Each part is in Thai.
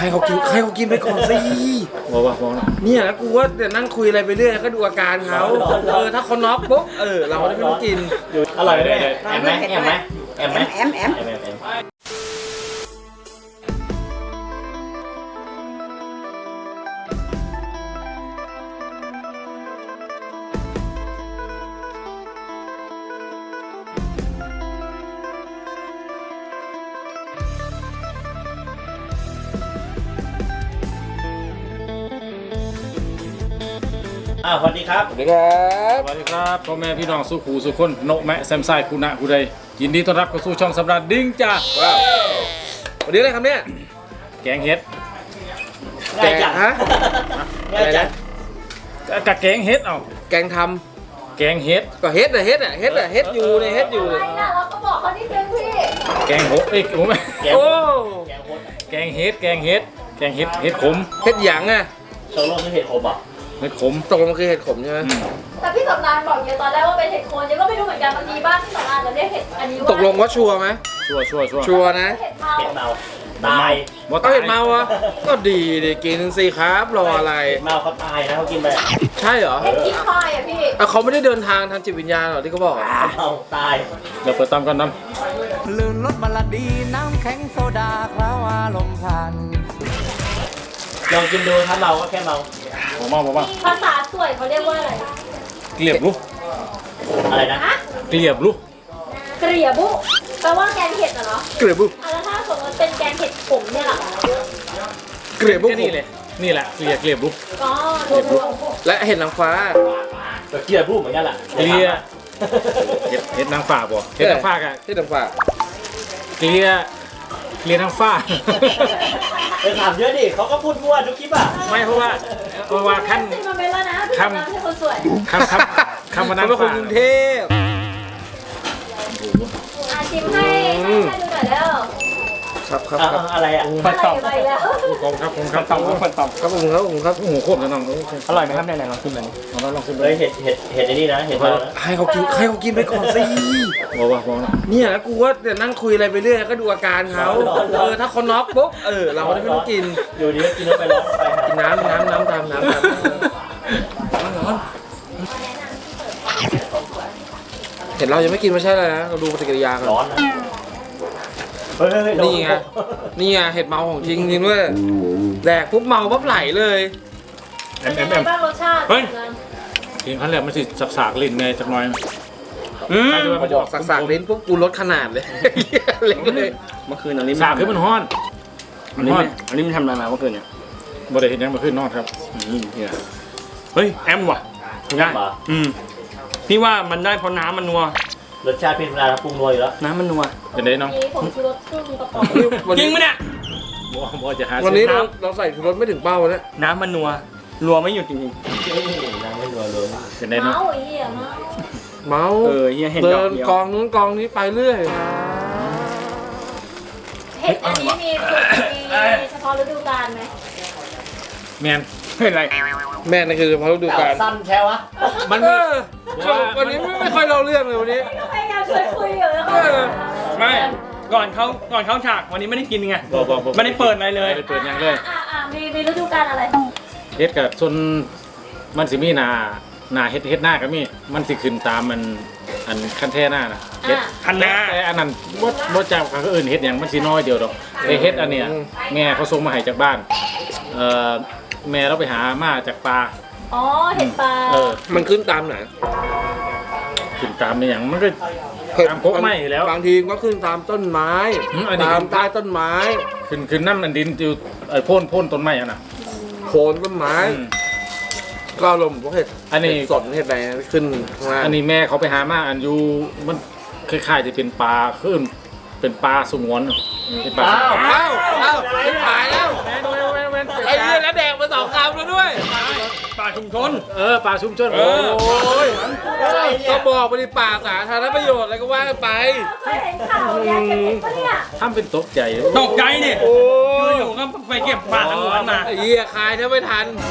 ให้เขากินไปก่อนสิบอกเนี่ยแล้วกูว่าเดี๋ยวนั่งคุยอะไรไปเรื่อยก็ดูอาการเขาถ้าเขาน็อกปุ๊บเราได้ไม่ต้องกินอร่อยเลยแอมไหมสวัสดีครับสวัสดีครับพ่อแม่พี่น้องสุขูสุคนโนแมะแซมไซคูนะคูใดยินดีต้อนรับเข้าสู่ช่องสำราญดิ้งจ้าวันนี้อะไรครับเนี่ยแกงเห็ดแกงฮะอะไรนะกะแกงเห็ดเอาแกงทำแกงเห็ดก็เห็ดอยู่ในเห็ดอยู่อะไรนะเราก็บอกเขาที่นึงพี่แกงโหโอ้แม่แกงเห็ดเห็ดขมเห็ดหยางอ่ะตกลงคือเห็ดขมอ่ะเห็ดขมตกลงมันคือเห็ดขมใช่ไหมแต่พี่สำรานบอกอยู่ตอนแรกว่าเป็นเห็ดโคนยังก็ไม่รู้เหมือนกันบางทีบ้านพี่สำรานจะเรียกเห็ดอันนี้ว่าตกลงว่าชัวร์ไหมชัวร์นะเห็ดเมาตายก็เห็ดเมาอ่ะก็ดีกินสิครับรออะไรเห็ดเมาเขาตายนะเขากินไปใช่เหรอเห็ดกินคอยอ่ะพี่เขาไม่ได้เดินทางทางจิตวิญญาณหรอที่เขาบอกเมาตายเดี๋ยวเปิดตามกันน้ำลื่นรถบัลลดีน้ำแข็งโซดาคราวอารมณ์พันลองกินดูถ้าเมาก็แค่เมาภาษาสวยเขาเรียกว่าอะไรเกลียบลูกอะไรนะเกลียบลูกเกลียบุแปลว่าแกงเห็ดเหรอเกลียบุแล้วถ้าสมมติเป็นแกงเห็ดขมเนี่ยล่ะเกลียบุนี่เลยนี่แหละเกลียบลูกก็และเห็ดนางฟ้าเกลียบุเหมือนกันแหละเกลียเห็ดนางฟ้าบ่เห็ดนางฟ้ากันเห็ดนางฟ้าเกลียนางฟ้าไปถามเยอะดิเขาก็พูดมั่วทุกคลิปอ่ะไม่เพราะว่าขั้นคำสวยคำนางฟ้ากรุงเทพชิมให้ดูหน่อยแล้วครับอะไรอ่ะฟันตอบผมครับโอ้โหโคตรจะน้องอร่อยไหมครับไหนลองชิมหน่อยลองชิมเลยเห็ดนี่นะเห็ดเราให้เขากินไปก่อนสิบอกเนี่ยแล้วกูว่าเดี๋ยวนั่งคุยอะไรไปเรื่อยก็ดูอาการเขาถ้าเขาน็อกปุ๊บเราได้ไม่ต้องกินอยู่ดีก็กินแล้วไปร้อนไปกินน้ำตามร้อนเห็นเรายังไม่กินไม่ใช่เลยนะเราดูปฏิกิริยากันร้อนนะนี่ไงเห็ดเมาของจริงด้วยแดกปุ๊บเมาปั๊บไหลเลยบ้างรสชาติทีมขั้นแรกมันสิสากลิ้นไงจักหน่อยมันจะออกสากลิ้นปุ๊บกูลดขนาดเลยเล็กเลยเมื่อคืนอันนี้สากคือมันฮ้อนอันนี้มันทำอะไรมาเมื่อคืนเนี่ยบ่ได้เห็นยังเมื่อคืนนอนครับเฮ้ยแอมว่ะได้พี่ว่ามันได้เพราะน้ำมันนัวรสชาติเป็นเวลาปรุงนัวอยู่แล้วน้ำมันนัวเป็นไงน้องผมชูรสครึ่งกระป๋องจริงไหมเนี่ยบ่จะหาวันนี้เราใส่ชูรสไม่ถึงเป้าแล้วน้ำมันนัวไม่หยุดจริงๆน้ำไม่นัวเลยเป็นไงน้องเมาเฮียเห็นเดินกองนู้นกองนี้ไปเรื่อยเห็ดอันนี้มีเฉพาะฤดูกาลไหมแมนเป็นไรแม่นั่นคือเฉพาะฤดูกาลสั้นแค่วะมันวันนี้ไม่ค่อยเล่าเรื่องเลยวันนี้พยายามชวนคุยอยู่แล้วไม่ก่อนเขาฉากวันนี้ไม่ได้กินไงไม่ได้เปิดอะไรเลยเปิดยังเลยมีฤดูกาลอะไรเฮ็ดกับส่วนมันสิมีหน้าเฮ็ดหน้าก็มีมันสิขึ้นตามมันอันขั้นแท้หน้านะเฮ็ดขั้นหน้าแต่อันนั้นบ่จากเขาอื่นเฮ็ดอย่างมันสิน้อยเดียวดอกไอเฮ็ดอันเนี้ยแม่เขาส่งมาให้จากบ้านแม่เราไปหามาจากปลาเห็ดปลามันขึ้นตามไหนขึ้นตามในอย่างมันก็ตามพกไม้แล้วบางทีก็ขึ้นตามต้นไม้ตามใต้ต้นไม้ขึ้นน้ำมันดินอยู่โพ่นต้นไม้อ่ะนะโคนต้นไม้ก็ลมพวกเห็ดอันนี้สดเห็ดอะไรขึ้นอันนี้แม่เขาไปหามาอันอยู่มันคล้ายๆจะเป็นปลาขึ้นเป็นปลาสงวนเป็นปลาไม่ขายแล้วไอ้เรื่องแล้วแดงมา2 คำแล้วด้วยปลาชุมชนปลาชุมชนโอ้ยก็บอกไปดิปากสาธารณประโยชน์อะไรก็ว่าไปเคยเห็นข่าวแกงเห็ดปะเนี่ยทำเป็นตกใจเนี่ยโอ้ยอยู่ก็ไปเก็บปลาทั้งวันมาไอ้เหี้ยคายถ้าไม่ทัน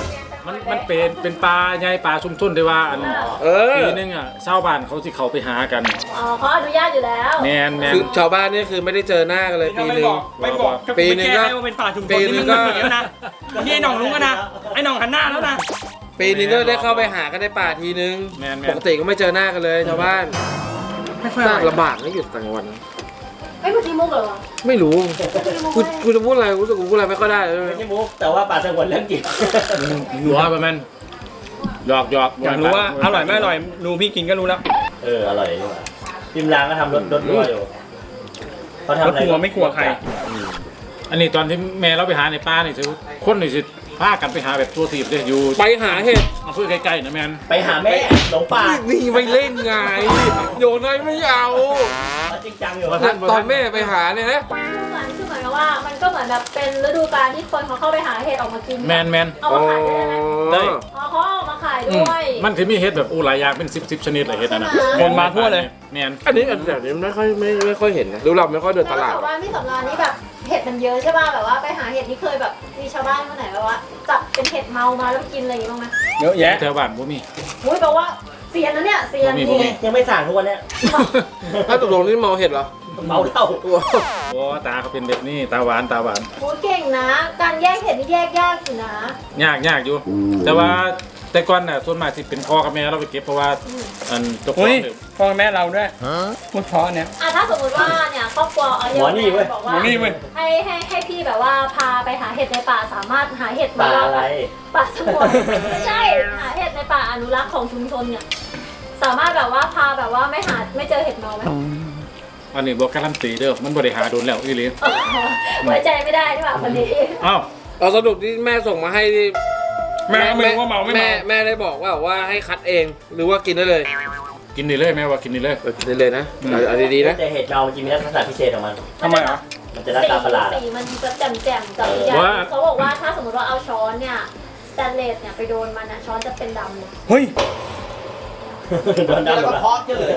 มันเป็นปลาใหญ่ปลาชุมชนที่ว่าอัน ปีนึงอ่ะชาวบ้านเขาสิเขาไปหากันอ๋อเขาอนุญาตอยู่แล้วแมนคือชาวบ้านนี่คือไม่ได้เจอหน้ากันเลยปีหนึ่งไม่บอกปีหนึ่งก็ไม่แก้ให้ว่าเป็นป่าชุมชปีนหนึ่นี่งมันก็เหมือนกันนะนี่ไอ้หน่องรู้กันนะไอ้หน่องหันหน้าแล้วนะปีนึงก็ได้เข้าไปหากันในป่าทีนึงแมนปกติก็ไม่เจอหน้ากันเลยชาวบ้านไม่ค่อยอร่อยลำบากนะอยู่ต่างจังหวัดไม่เมื่อกี้มุกเหรอไม่รู้กูจะพูดอะไรรู้สึกกูพูดอะไรไม่ค่อยได้เลยไม่ใช่มุกแต่ว่าป่าสงวนเรื่องจริงหัวประมาณหยอกอยากรู้ว่าอร่อยไม่อร่อยดูพี่กินก็รู้แล้วอร่อยดีกว่าพิมรางก็ทำรถรั่วอยู่เขาทำรอะถไรทัวร์ไม่กลัวใครอันนี้ตอนที่แม่เราไปหาในป่านี่สิคนนี่สิพากันไปหาแบบตัวทีบเลยอยู่ไปหาเห็ดอำเภอใกล้ๆนะแมนไปหาแม่หลงป่านี่ไม่เล่นไงโยนให้ไม่เอาเขาจริงจังอยู่ตอนแม่ไปหาเนี่ยนะคือเหมือนกับว่ามันก็เหมือนแบบเป็นฤดูกาลที่คนเขาเข้าไปหาเห็ดออกมากินแมนเอามาขายได้ไหมได้อ๋อเขาเอามาขายด้วยมันคือมีเห็ดแบบหลายอย่างเป็น10ชนิดเลยเห็ดอันนั้นคนมาทั่วเลยแมนอันนี้แบบนี้ไม่ค่อยเห็นนะดูเราไม่ค่อยเดินตลาดแต่ว่าที่สำราญนี่แบบเห็ดมันเยอะใช่ป่ะแบบว่าไปหาเห็ดนี่เคยแบบมีชาวบ้านคนไหนแบบว่าจับเป็นเห็ดเมามาแล้วไปกินอะไรอย่างงี้บ้างไหมเยอะแยะแถวบ้านบ่มีอุ้ยแปลว่าเซียนนะเนี่ยเซียนมีนี่ยังไม่สั่งทุกวันเนี้ยถ้าตกลงนี่เมาเห็ดเหรอเมาเหล้าโอ้ตาเขาเป็นแบบนี้ตาหวานโอ้เก่งนะ การแยกเห็ดนี่แยกยากอยู่นะยากอยู่ แต่ว่าแต่ก่อนน่ะส่วนมากสิเป็นพ่อกับแม่เราไปเก็บเพราะว่าอันเจ้าขออุ้งยเนี่ยพ่อแม่เราด้วยพูดเพราะเนี่ยถ้าสมมติว่าเนี่ยครอบครัวเอาเยอะบอกว่าหมอนี่เว้ยให้พี่แบบว่าพาไปหาเห็ดในป่าสามารถหาเห็ดป่าอะไรป่าสงวนไม่ใช่หาเห็ดในป่าอนุรักษ์ของชุมชนเนี่ยสามารถแบบว่าพาแบบว่าไม่เจอเห็ดเมาไหมอันนี้บอกการันตีเด้อมันบ่ได้หาโดนแล้วอีหลีไว้ใจไม่ได้ที่แบบคนนี้อ้าวเอาสรุปที่แม่ส่งมาให้ที่แม่ไม่รู้ว่าเมาไม่เมาแม่ได้บอกว่าให้คัดเองหรือว่ากินได้เลยกินนี่เลยแม่ว่ากินนี่เลยกินได้เลยนะเอาดีๆนะแต่เห็ดเมามันจะมีลักษณะพิเศษของมันทำไมอ่ะมันจะหน้าตาประหลาดสีมันจะแจ่มๆกับอีกอย่างเขาบอกว่าถ้าสมมติว่าเอาช้อนเนี่ยสแตนเลสเนี่ยไปโดนมันนะช้อนจะเป็นดำเลยเฮ้ยโดนดำหมดละ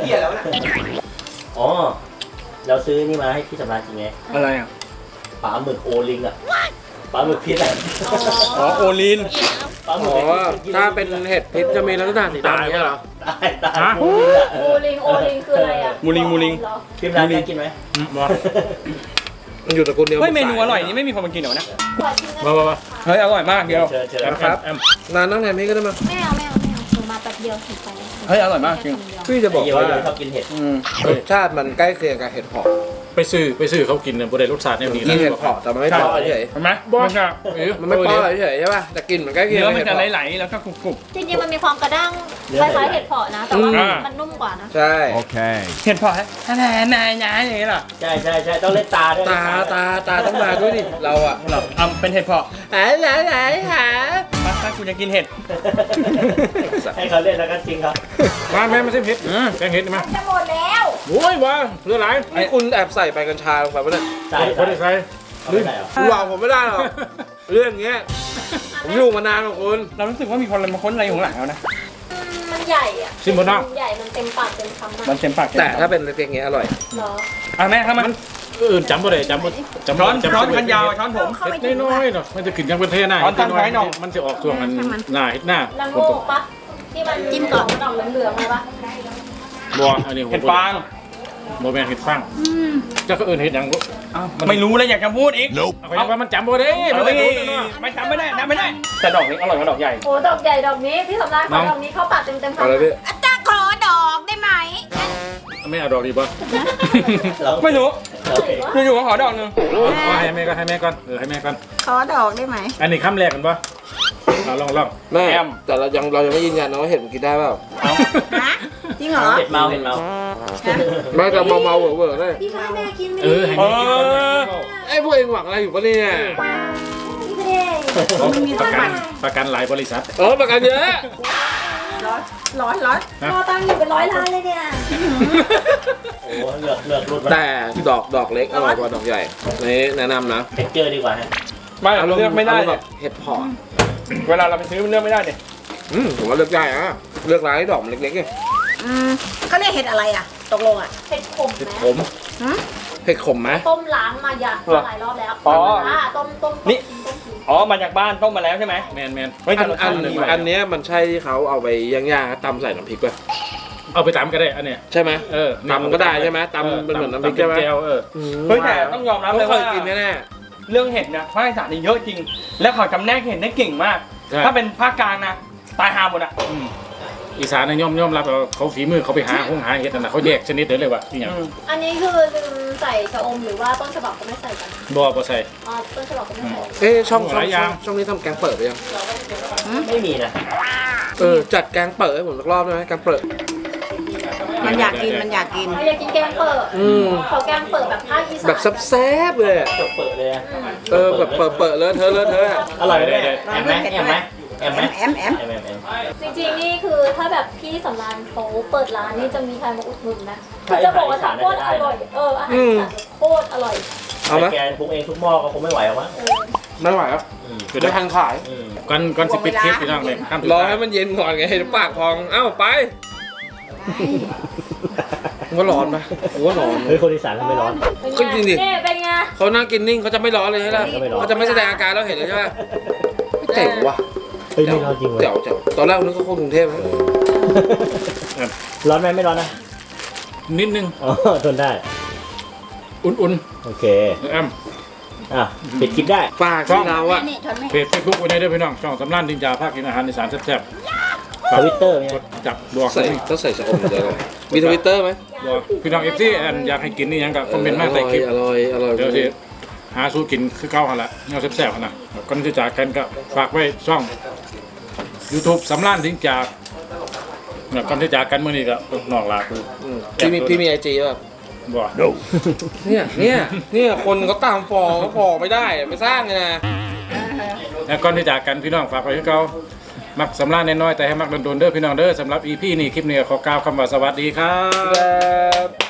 อ๋อ เราซื้อนี่มาให้พี่สำราญจริงไงอะไรอ่ะปลาหมึกโอลิงอ่ะปลาหมึกพิษอ่ะอ๋อโอลีนปลาหมึอ๋กอถ้าเป็นเห็ดพิษจะมีลักษณะสีดำเนี่ยเหรอตายโอลิงอ่ะโอลิงคืออะไรอ่ะมูลิงพี่สำราญได้กินไหมบ่มันอยู่ตระกูลเดียวเฮ้ยเมนูอร่อยนี้ไม่มีคนมากินเหรอนะบ่เฮ้ยอร่อยมากเดียวเชิญเชิญครับ นานนั่งแทนพี่ก็ได้มั้งไม่เอาหนูมาแป๊บเดียวถึงไปเฮ้ยอร่อยมากจริงพี่จะบอกเดี๋ยวว่าเราชอบกินเห็ดรสชาติมันใกล้เคียงกับเห็ดเผาะไปซื้อเขากินเนี่ยบ่ได้รสชาติแนวนี้กินเห็ดเผาะแต่มันไม่เผาะเฉยเห็นไหมมันจะมันไม่เผาะเฉยใช่ป่ะแต่กลิ่นมันใกล้เคียงเนื้อกับมันเห็ดจะเผาะไหลๆแล้วก็กรุบจริงๆมันมีความกระด้างคล้ายๆเห็ดเผาะนะ แต่ว่ามันนุ่มกว่านะใช่ๆเห็ดเพาะแน่ๆอย่างนี้เหรอใช่ใช่ใช่ต้องเล่นตาด้วยตาต้องมาด้วยดิเราอะเป็นเห็ดเพาะไหนหามากูจะกินเห็ดให้เขาเล่นแล้วก็จริงครับมาแม่มาซิมเห็ดแกงเห็ดมาจะหมดแล้วโอ้ยว่าเรือหลายนี่คุณแอบใส่ใบกัญชาลงไปปะเนี่ยใช่บ่ได้ใส่เขาไม่ได้หรอคุณบอกผมไม่ได้หรอกเรื่องเงี้ยผมอยู่มานานกว่าคุณเรารู้สึกว่ามีคนมาค้นอะไรอยู่ข้างหลังแล้วนะมันใหญ่อ่ะซิมบ่น้องใหญ่มันเต็มปากเต็มคำมันเต็มปากแต่ถ้าเป็นเล็กๆเงี้ยอร่อยเหรออ่ะแม่ครับมันอื่นจำบ่ได้จำบ่ร้อนคันยาวช้อนผมเห็ดน้อยๆเนาะมันจะขึ้นยังเป็นเทหน้าร้อนตั้งไว้หน่อยมันจะออกช่วงอันหน้าเห็ดหน้าละโงกปะที่มันจิ้มก่อนดอกเหลืองๆเลยปะบ่อันนี้เห็ดฟางบ่แม่นเห็ดฟางเจ้าก็อื่นเห็ดหยังบ่ไม่รู้เลยอยากจะพูดอีกเอาไปว่ามันจำบ่ได้มันได้รู้เนาะไม่จำไม่ได้จำไม่ได้ แต่ดอกนี้อร่อยกว่าดอกใหญ่โอ้ดอกใหญ่ดอกนี้พี่สำราญขอดอกนี้เข้าปากเต็มๆเอาเลยพี่จะขอดอกได้ไหมไม่เอาดอกดีป่ะเราไม่รู้เราอยู่ๆก็ขอดอกหนึงให้แม่ก่อนให้แม่ก่อนให้แม่ก่อนขอดอกได้ไหมอันนี้คำแรกกันป่ะเอาลองแม่แต่เรายังไม่ยืนยันนะว่าเห็ดมันกินได้เปล่าฮะ จริงเหรอเห็ดเมาเห็ดเมาไม่แต่เมาๆเวอร์ๆเลยพี่ก็ให้แม่กินไม่เออให้แม่กินก่อนไอ้พวกเองหวังอะไรอยู่ปะเนี่ยพี่ไม่ได้ประกันหลายบริษัทประกันเยอะร้อนรอตังค์อยู่เป็น100 ล้านเลยเนี่ยโอ้เลือกรุ่นแต่ดอกเล็กอร่อยกว่าดอกใหญ่นี่แนะนำนะเท็กเจอร์ดีกว่าฮะไม่เราเลือกไม่ได้แบเนี่ยบเห็ดเผาะเวลาเราไปซื้อมันเลือกไม่ได้เนี่ยผมว่าเลือกได้อะเลือกร้านที่ดอกมันเล็กๆไงเขาเรียกเห็ดอะไรอ่ะ ตกลงอ่ะเผ็ดขมเห็ดนะขมหืมผ็ดขมไหมต้มล้างมาหลายรอบแล้วอ๋อต้มนี่ต้มกินอ๋อมาจากบ้านต้มมาแล้วใช่ไหมแมนเฮ้ยแต่อันรสชาติดีว่ะอันเนี้ยมันใช่ที่เขาเอาไปย่างๆตำใส่น้ำพริกป่ะเอาไปตำก็ได้อันเนี้ยใช่ไหมเออตำก็ได้ใช่ไหมตำเป็นเหมือนน้ำพริกใช่ไหมตำเป็นแก้วเออเฮ้ยแต่ต้องยอมรับเลยเคว่ายกินแน่เรื่องเห็ดเนี่ยภาคอีสานนี่เยอะจริง แล้วเขาจำแนกเห็ดได้เก่งมากใช่ถ้าเป็นภาคกลางนะตายหาหมดอ่ะอืมอีสานเนี่ยย่อมรับว่าเขาฝีมือเขาไปหาเห็ดนั่นนะเขาแยกชนิดเดียวเลยว่าอหย่างอันนี้คือลืมใส่ชะอมหรือว่าต้นฉบับก็ไม่ใส่กันบ่ใส่อ๋อต้นฉบับก็ไม่ใส่ๆเอ๊ะช่องหลายอย่างนี้ทำแกงเปิดไปยังไม่มีนะจัดแกงเปิดให้ผมสักรอบได้ไหมแกงเปิดมันอยากกินมันอยากกินเราอยากกินแกงเปิด เขาแกงเปิดแบบภาคอีสานแบบแซ่บๆเลยอะเปิดเลยอะแบบเปิดเลอะเทอะอะอร่อยไหมได้แอมไหมแอมไหมแอมไหมแอมแอมจริงๆนี่คือถ้าแบบพี่สำรานเขาเปิดร้านนี่จะมีใครมาอุดหนุนนะคือจะบอกว่าทำโคตรอร่อยอาหารอีสานโคตรอร่อยเอาไหมแกปรุงเองทุกหม้อก็คงไม่ไหวหรอกมั้งไม่ไหวครับไม่ทันขายก่อนสิปิดคลิปพี่น้องเลยข้ามรอให้มันเย็นก่อนไงปากพองเอ้าไปว่าร้อนปะผมว่าร้อนเฮ้ยคนอีสานทำไม่ร้อนเป็นก็จริงดิไงนี่เป็นไงเขานั่งกินนิ่งเขาจะไม่ร้อนเลยใช่ไหมไม่ร้อนเขาจะไม่แสดงอาการเราเห็นเลยใช่ไหมเจ๋งว่ะเฮ้ยไม่ร้อนจริงเลยเจ๋วตอนแรกนึกว่าคนกรุงเทพนะร้อนไหมไม่ร้อนนะนิดนึงอ๋อทนได้อุ่นโอเคๆแอมอ่ะปิดคลิปได้ฝากที่เราอะนี่ทนไม่เพจเฟซบุ๊กไว้ได้ด้วยพี่น้องช่องสำรานดินจาภาคกินอาหารอีสานแซ่บๆทวิตเตอร์ไหมกดจับดวงต้องใส่ชะอมเดี๋ยวก่อนมีทวิตเตอร์ไหมดวงพี่น้องเอฟซีแอนอยากให้กินนี่ยังกับคอมเมนต์มาใส่คลิปอร่อยเดี๋ยวสิหาสู้กินคือเก่าหันละเงาแซ่บๆหันนะก่อนที่จากกันก็ฝากไว้ช่อง YouTube สำรานดินจาก่อนที่จากกันเมื่อนี้ก็นอกลาคือพี่มีไอจีป่ะบ่เนี่ยคนเขาตามฟอเขาฟอไม่ได้ไม่สร้างไงนะแล้วก่อนที่จากกันพี่น้องฝากไว้ให้เก่ามักสำรานน้อยๆแต่ให้มักโดนๆเด้อพี่น้องเด้อสำหรับ EP นี้คลิปนี้ขอกล่าวคำว่าสวัสดีครับครับ